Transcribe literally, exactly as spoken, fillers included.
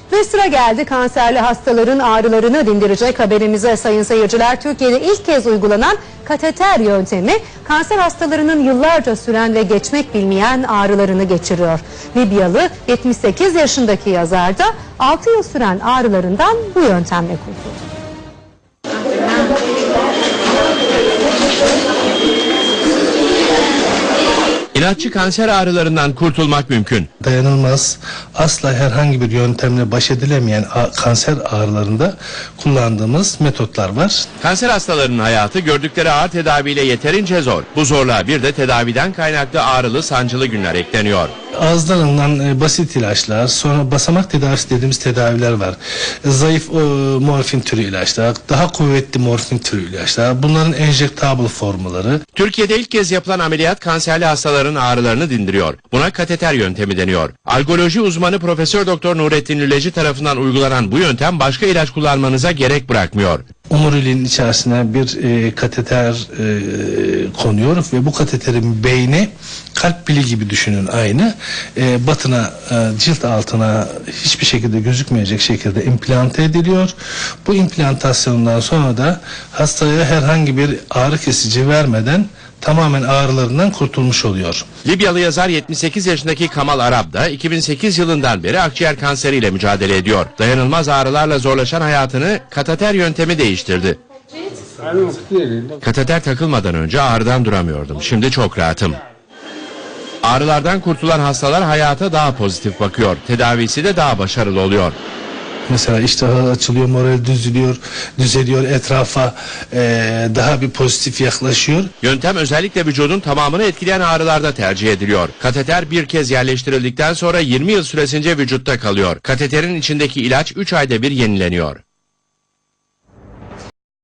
Ve sıra geldi kanserli hastaların ağrılarını dindirecek haberimize sayın seyirciler. Türkiye'de ilk kez uygulanan kateter yöntemi kanser hastalarının yıllarca süren ve geçmek bilmeyen ağrılarını geçiriyor. Libyalı yetmiş sekiz yaşındaki yazar da altı yıl süren ağrılarından bu yöntemle kurtuldu. İlaççı kanser ağrılarından kurtulmak mümkün. Dayanılmaz, asla herhangi bir yöntemle baş edilemeyen kanser ağrılarında kullandığımız metotlar var. Kanser hastalarının hayatı gördükleri ağır tedaviyle yeterince zor. Bu zorluğa bir de tedaviden kaynaklı ağrılı sancılı günler ekleniyor. Ağızdan alınan e, basit ilaçlar, sonra basamak tedavisi dediğimiz tedaviler var. E, zayıf e, morfin türü ilaçlar, daha kuvvetli morfin türü ilaçlar, bunların enjektable formları. Türkiye'de ilk kez yapılan ameliyat kanserli hastaların ağrılarını dindiriyor. Buna kateter yöntemi deniyor. Algoloji uzmanı Profesör Doktor Nurettin Lüleci tarafından uygulanan bu yöntem başka ilaç kullanmanıza gerek bırakmıyor. Omuriliğin içerisine bir e, kateter e, konuyor ve bu kateterin beyni kalp pili gibi düşünün aynı. E, batına, e, cilt altına hiçbir şekilde gözükmeyecek şekilde implante ediliyor. Bu implantasyondan sonra da hastaya herhangi bir ağrı kesici vermeden tamamen ağrılarından kurtulmuş oluyor. Libyalı yazar yetmiş sekiz yaşındaki Kamal Arab da iki bin sekiz yılından beri akciğer kanseriyle mücadele ediyor. Dayanılmaz ağrılarla zorlaşan hayatını kateter yöntemi değiştirdi. Kateter takılmadan önce ağrıdan duramıyordum. Şimdi çok rahatım. Ağrılardan kurtulan hastalar hayata daha pozitif bakıyor. Tedavisi de daha başarılı oluyor. Mesela iştahı açılıyor, moral düzeliyor, düzeliyor, etrafa e, daha bir pozitif yaklaşıyor. Yöntem özellikle vücudun tamamını etkileyen ağrılarda tercih ediliyor. Kateter bir kez yerleştirildikten sonra yirmi yıl süresince vücutta kalıyor. Kateterin içindeki ilaç üç ayda bir yenileniyor.